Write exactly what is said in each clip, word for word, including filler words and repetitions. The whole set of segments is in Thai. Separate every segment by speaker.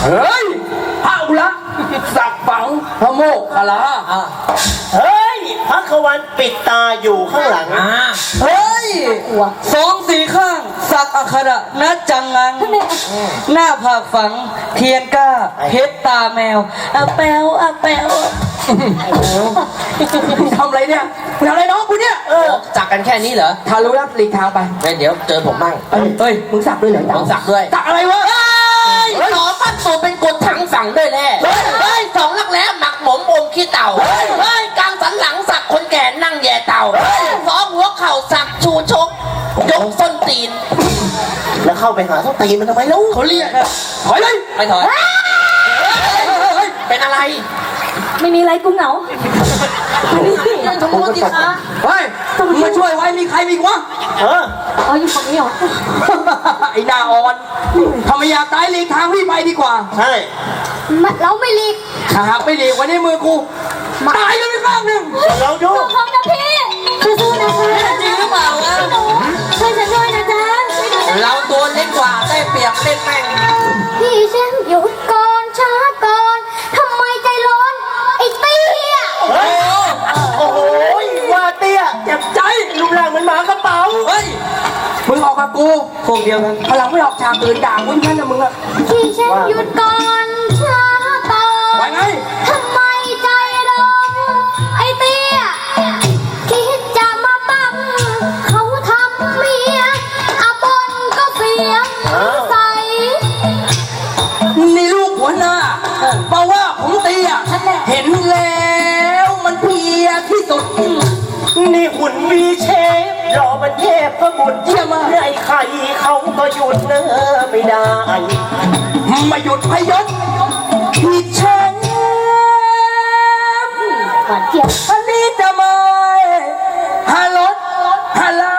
Speaker 1: เฮ้ยพระอุระสักฝังพระโมกขลา
Speaker 2: เฮ้ยพระขวันปิดตาอยู่ข้างหลัง
Speaker 1: เฮ้ยสองสีข้างสักอัคระนัดจังงังหน้าผากฝังเทียนก้าเพชรตาแมวอะแปวอะแปวทำอะไรเนี่ยทำอะไรน้องกูเนี่ย
Speaker 3: สักกันแค่นี้เหรอ
Speaker 1: ถ้ารู้แล้วหลีกทางไป
Speaker 3: เดี๋ยวเจอผมบ้าง
Speaker 1: เฮ้ยมึงสักด้วยเหรอ
Speaker 3: ผมสักด้วย
Speaker 1: สักอะไรวะ
Speaker 3: หนอปั้นตัวเป็นกดถังสั่งด้วยแน่เฮ้ยสองลักแร้หมักหมมอมขี้เต่าเฮ้ยกลางสันหลังสักคนแก่นั่งแย่เต่าสองหัวเข่าสักชูชกยกส้นตีน
Speaker 2: แล้วเข้าไปหาส้นตีนมันทำไมลูก
Speaker 1: เขาเรียกถอยเลย
Speaker 3: ไม่ถอยเป็นอะไร
Speaker 4: ไม่มีอะไรกูเหงา
Speaker 1: ชมพูติคะเฮ้ยมาช่วยไว้มีใครมีวะ
Speaker 2: เออ
Speaker 4: อ๋ออยู่ฝั่งนี้เหรอ
Speaker 1: ไอ้ดาอ่อนทำไมอยากตายหลีกทางพี่ไปดีกว่า
Speaker 2: ใช่
Speaker 4: เราไม่หลีก
Speaker 1: ถ้าหากไม่หลีกวันนี้มือกูตายกันไปข้างหนึ่ง
Speaker 2: เราดู
Speaker 4: พร้อมนะพี่สู้ๆนะคะ
Speaker 3: จริงหรือเปล่าวะ
Speaker 4: ช่วยฉันด้วยนะจ๊ะ
Speaker 3: เราตัวเล็กกว่าได้เปรียบเล่นแม่ง
Speaker 4: พี่ฉันหยุดก่อนช้าก่อนทำไมใจร้อนไอ้เตี้ย
Speaker 2: เฮ้ยโอ้โหว่าเตี้ยเจ็บใจรูปร่างเหมือนหมากระเป๋า
Speaker 1: เฮ้ยมึงออกกับกูพวกเดียวกันพลังไม่ออกฉากอื่นด่ากูแค่นั้นนะมึงอะ
Speaker 4: พี่ฉันหยุดก่อนช้าก่อน
Speaker 1: ว่าไง
Speaker 4: ทำไมใจร้อนไอ้เตี้ยคิดจะมาบังเขาทำเมียอาบนก็เสียงใส
Speaker 1: นี่ลูกหัวหน้าบอกว่าผมเตี้ยเห็นแล้วมันเพียที่สุด
Speaker 2: นี่หุ่นวีเชฟรอมันเทพพระบุตรเยี่ยมไอ้ใครเขาก็หยุดเนื้อไม่ได้
Speaker 1: มาหยุดพยศที่ฉัน
Speaker 4: หวานเจี๊ยบ
Speaker 1: อันนี้จะมาฮาลดฮาลา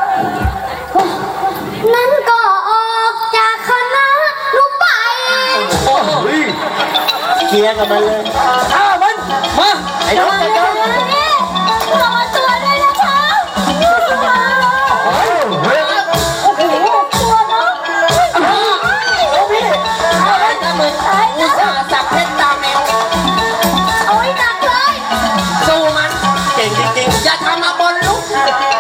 Speaker 4: นั้นก็ออกจากคณะลูกไป
Speaker 2: โอ้ยเคลียร์กันมาเลย
Speaker 1: อ้าวมันมา
Speaker 2: ไอ้น้องกันกัน
Speaker 4: รอตัวด้วยนะคะโอ้โหตัวเนาะ
Speaker 3: โอ้พี่อะไรนะมึงอุตส่าห์สักเพชรตาแมว
Speaker 4: โอ้ยหนักเลย
Speaker 3: สู้มัน
Speaker 2: เก่งจริง
Speaker 3: ๆอย่าทำมาบนลุก